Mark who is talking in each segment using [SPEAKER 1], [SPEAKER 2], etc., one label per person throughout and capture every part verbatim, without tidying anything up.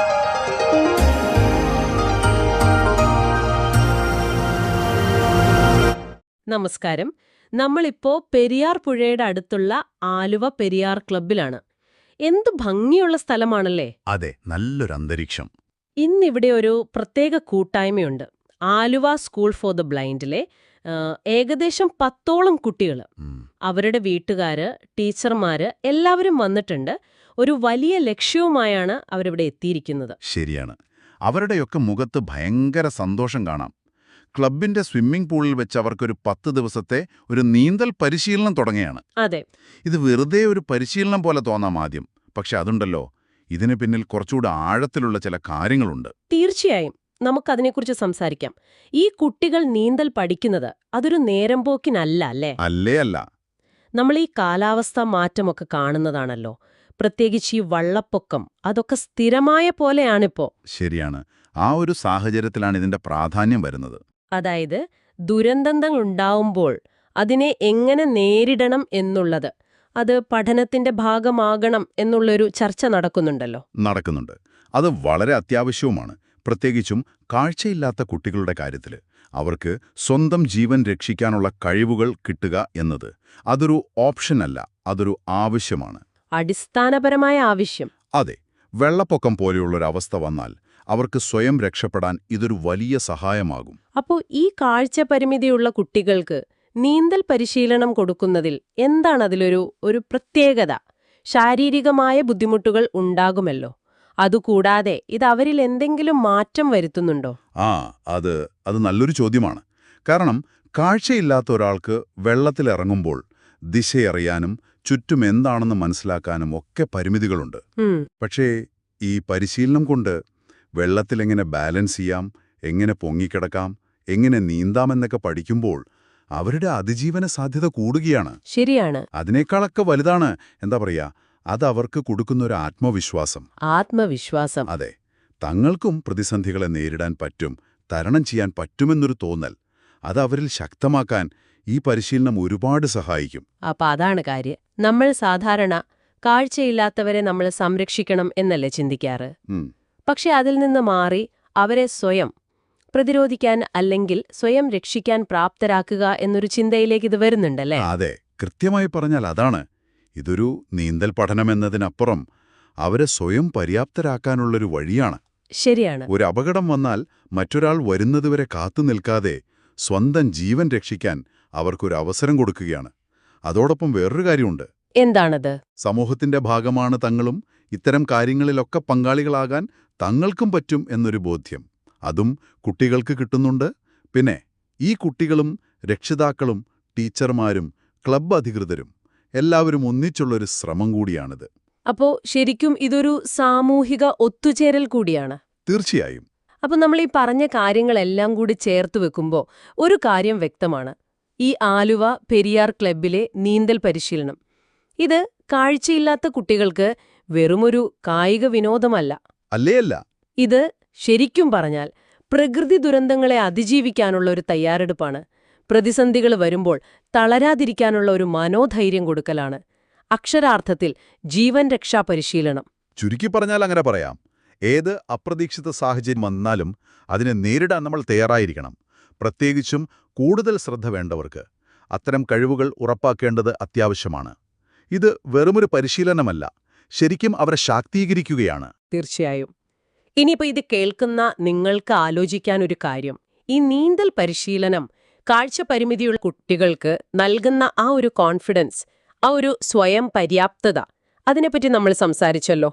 [SPEAKER 1] നമസ്കാരം. നമ്മളിപ്പോൾ പെരിയാർ പുഴയുടെ അടുത്തുള്ള ആലുവ പെരിയാർ ക്ലബ്ബിലാണ്. എന്ത് ഭംഗിയുള്ള സ്ഥലമാണല്ലേ?
[SPEAKER 2] അതെ, നല്ലൊരു അന്തരീക്ഷം.
[SPEAKER 1] ഇന്നിവിടെ ഒരു പ്രത്യേക കൂട്ടായ്മയുണ്ട്. ആലുവ സ്കൂൾ ഫോർ ദ ബ്ലൈൻഡിലെ ആ, ഏകദേശം പത്തോളം കുട്ടികൾ,
[SPEAKER 2] ഉം,
[SPEAKER 1] അവരുടെ വീട്ടുകാര്, ടീച്ചർമാര് എല്ലാവരും വന്നിട്ടുണ്ട്. ഒരു വലിയ ലക്ഷ്യവുമായാണ് അവരിവിടെ എത്തിയിരിക്കുന്നത്.
[SPEAKER 2] ശരിയാണ്. അവരുടെയൊക്കെ മുഖത്ത് ഭയങ്കര സന്തോഷം കാണാം. ക്ലബിന്റെ സ്വിമ്മിംഗ് പൂളിൽ വെച്ച് അവർക്കൊരു പത്ത് ദിവസത്തെ ഒരു നീന്തൽ പരിശീലനം തുടങ്ങിയാണ്.
[SPEAKER 1] അതെ,
[SPEAKER 2] ഇത് വെറുതെ ഒരു പരിശീലനം പോലെ തോന്നാം ആദ്യം, പക്ഷെ അതുണ്ടല്ലോ, ഇതിന് പിന്നിൽ കുറച്ചുകൂടെ ആഴത്തിലുള്ള ചില കാര്യങ്ങളുണ്ട്.
[SPEAKER 1] തീർച്ചയായും നമുക്കതിനെക്കുറിച്ച് സംസാരിക്കാം. ഈ കുട്ടികൾ നീന്തൽ പഠിക്കുന്നത് അതൊരു നേരം പോക്കിനല്ല അല്ലേ?
[SPEAKER 2] അല്ലേ അല്ല.
[SPEAKER 1] നമ്മൾ ഈ കാലാവസ്ഥാ മാറ്റമൊക്കെ കാണുന്നതാണല്ലോ. പ്രത്യേകിച്ച് ഈ വള്ളപ്പൊക്കം, അതൊക്കെ സ്ഥിരമായ പോലെയാണിപ്പോ.
[SPEAKER 2] ശരിയാണ്. ആ ഒരു സാഹചര്യത്തിലാണ് ഇതിന്റെ പ്രാധാന്യം വരുന്നത്.
[SPEAKER 1] അതായത് ദുരന്തങ്ങൾ ഉണ്ടാവുമ്പോൾ അതിനെ എങ്ങനെ നേരിടണം എന്നുള്ളത്, അത് പഠനത്തിന്റെ ഭാഗമാകണം എന്നുള്ളൊരു ചർച്ച നടക്കുന്നുണ്ടല്ലോ.
[SPEAKER 2] നടക്കുന്നുണ്ട്. അത് വളരെ അത്യാവശ്യവുമാണ്. പ്രത്യേകിച്ചും കാഴ്ചയില്ലാത്ത കുട്ടികളുടെ കാര്യത്തിൽ അവർക്ക് സ്വന്തം ജീവൻ രക്ഷിക്കാനുള്ള കഴിവുകൾ കിട്ടുക എന്നത് അതൊരു ഓപ്ഷനല്ല, അതൊരു ആവശ്യമാണ്.
[SPEAKER 1] അടിസ്ഥാനപരമായ ആവശ്യം.
[SPEAKER 2] അതെ, വെള്ളപ്പൊക്കം പോലെയുള്ളൊരവസ്ഥ വന്നാൽ അവർക്ക് സ്വയം രക്ഷപ്പെടാൻ ഇതൊരു വലിയ സഹായമാകും.
[SPEAKER 1] അപ്പോൾ ഈ കാഴ്ച പരിമിതിയുള്ള കുട്ടികൾക്ക് നീന്തൽ പരിശീലനം കൊടുക്കുന്നതിൽ എന്താണ് അതിലൊരു ഒരു പ്രത്യേകത? ശാരീരികമായ ബുദ്ധിമുട്ടുകൾ ഉണ്ടാകുമല്ലോ. അതുകൂടാതെ ഇത് അവരിൽ എന്തെങ്കിലും മാറ്റം വരുത്തുന്നുണ്ടോ?
[SPEAKER 2] ആ അത് അത് നല്ലൊരു ചോദ്യമാണ്. കാരണം കാഴ്ചയില്ലാത്ത ഒരാൾക്ക് വെള്ളത്തിലിറങ്ങുമ്പോൾ ദിശയറിയാനും ചുറ്റും എന്താണെന്ന് മനസ്സിലാക്കാനും ഒക്കെ പരിമിതികളുണ്ട്.
[SPEAKER 1] ഉം,
[SPEAKER 2] പക്ഷേ ഈ പരിശീലനം കൊണ്ട് വെള്ളത്തിലെങ്ങനെ ബാലൻസ് ചെയ്യാം, എങ്ങനെ പൊങ്ങിക്കിടക്കാം, എങ്ങനെ നീന്താമെന്നൊക്കെ പഠിക്കുമ്പോൾ അവരുടെ അതിജീവന സാധ്യത കൂടുകയാണ്.
[SPEAKER 1] ശരിയാണ്.
[SPEAKER 2] അതിനേക്കാളൊക്കെ വലുതാണ് എന്താ പറയാ, അത് അവർക്ക് കൊടുക്കുന്നൊരു ആത്മവിശ്വാസം.
[SPEAKER 1] ആത്മവിശ്വാസം.
[SPEAKER 2] അതെ, തങ്ങൾക്കും പ്രതിസന്ധികളെ നേരിടാൻ പറ്റും, തരണം ചെയ്യാൻ പറ്റുമെന്നൊരു തോന്നൽ, അത് അവരിൽ ശക്തമാക്കാൻ ഈ പരിശീലനം ഒരുപാട് സഹായിക്കും.
[SPEAKER 1] അപ്പൊ അതാണ് കാര്യം. നമ്മൾ സാധാരണ കാഴ്ചയില്ലാത്തവരെ നമ്മൾ സംരക്ഷിക്കണം എന്നല്ലേ ചിന്തിക്കാറ്.
[SPEAKER 2] ഉം,
[SPEAKER 1] പക്ഷെ അതിൽ നിന്ന് മാറി അവരെ സ്വയം പ്രതിരോധിക്കാൻ അല്ലെങ്കിൽ സ്വയം രക്ഷിക്കാൻ പ്രാപ്തരാക്കുക എന്നൊരു ചിന്തയിലേക്ക് ഇത് വരുന്നുണ്ടല്ലേ?
[SPEAKER 2] അതെ, കൃത്യമായി പറഞ്ഞാൽ അതാണ്. ഇതൊരു നീന്തൽ പഠനമെന്നതിനപ്പുറം അവരെ സ്വയം പര്യാപ്തരാക്കാനുള്ളൊരു വഴിയാണ്.
[SPEAKER 1] ശരിയാണ്.
[SPEAKER 2] ഒരു അപകടം വന്നാൽ മറ്റൊരാൾ വരുന്നതുവരെ കാത്തു നിൽക്കാതെ സ്വന്തം ജീവൻ രക്ഷിക്കാൻ അവർക്കൊരു അവസരം കൊടുക്കുകയാണ്. അതോടൊപ്പം വേറൊരു കാര്യമുണ്ട്.
[SPEAKER 1] എന്താണത്?
[SPEAKER 2] സമൂഹത്തിന്റെ ഭാഗമാണ് തങ്ങളും, ഇത്തരം കാര്യങ്ങളിലൊക്കെ പങ്കാളികളാകാൻ തങ്ങൾക്കും പറ്റും എന്നൊരു ബോധ്യം അതും കുട്ടികൾക്ക് കിട്ടുന്നുണ്ട്. പിന്നെ ഈ കുട്ടികളും രക്ഷിതാക്കളും ടീച്ചർമാരും ക്ലബ്ബ് അധികൃതരും എല്ലാവരും ഒന്നിച്ചുള്ളൊരു ശ്രമം കൂടിയാണിത്.
[SPEAKER 1] അപ്പോ ശരിക്കും ഇതൊരു സാമൂഹിക ഒത്തുചേരൽ കൂടിയാണ്.
[SPEAKER 2] തീർച്ചയായും.
[SPEAKER 1] അപ്പൊ നമ്മൾ ഈ പറഞ്ഞ കാര്യങ്ങളെല്ലാം കൂടി ചേർത്ത് വെക്കുമ്പോൾ ഒരു കാര്യം വ്യക്തമാണ്. ഈ ആലുവ പെരിയാർ ക്ലബ്ബിലെ നീന്തൽ പരിശീലനം, ഇത് കാഴ്ചയില്ലാത്ത കുട്ടികൾക്ക് വെറുമൊരു കായിക വിനോദമല്ല.
[SPEAKER 2] അല്ലേയല്ല.
[SPEAKER 1] ഇത് ശരിക്കും പറഞ്ഞാൽ പ്രകൃതി ദുരന്തങ്ങളെ അതിജീവിക്കാനുള്ള ഒരു തയ്യാറെടുപ്പാണ്. പ്രതിസന്ധികൾ വരുമ്പോൾ തളരാതിരിക്കാനുള്ള ഒരു മനോധൈര്യം കൊടുക്കലാണ്. അക്ഷരാർത്ഥത്തിൽ ജീവൻ രക്ഷാ പരിശീലനം.
[SPEAKER 2] ചുരുക്കി പറഞ്ഞാൽ അങ്ങനെ പറയാം. ഏത് അപ്രതീക്ഷിത സാഹചര്യം വന്നാലും അതിനെ നേരിടാൻ നമ്മൾ തയ്യാറായിരിക്കണം. പ്രത്യേകിച്ചും കൂടുതൽ ശ്രദ്ധ വേണ്ടവർക്ക് അത്തരം കഴിവുകൾ ഉറപ്പാക്കേണ്ടത് അത്യാവശ്യമാണ്. ഇത് വെറുമൊരു പരിശീലനമല്ല, ശരിക്കും അവരെ ശാക്തീകരിക്കുകയാണ്.
[SPEAKER 1] തീർച്ചയായും. ഇനിയിപ്പോൾ ഇത് കേൾക്കുന്ന നിങ്ങൾക്ക് ആലോചിക്കാനൊരു കാര്യം, ഈ നീന്തൽ പരിശീലനം കാഴ്ച പരിമിതിയുള്ള കുട്ടികൾക്ക് നൽകുന്ന ആ ഒരു കോൺഫിഡൻസ്, ആ ഒരു സ്വയം പര്യാപ്തത, അതിനെപ്പറ്റി നമ്മൾ സംസാരിച്ചല്ലോ.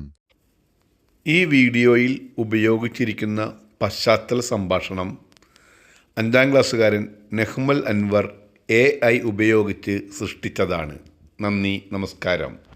[SPEAKER 3] ഈ വീഡിയോയിൽ ഉപയോഗിച്ചിരിക്കുന്ന പശ്ചാത്തല സംഭാഷണം അഞ്ചാം ക്ലാസ്സുകാരൻ നെഹ്മൽ അൻവർ എ ഐ ഉപയോഗിച്ച് സൃഷ്ടിച്ചതാണ്. നന്ദി, നമസ്കാരം.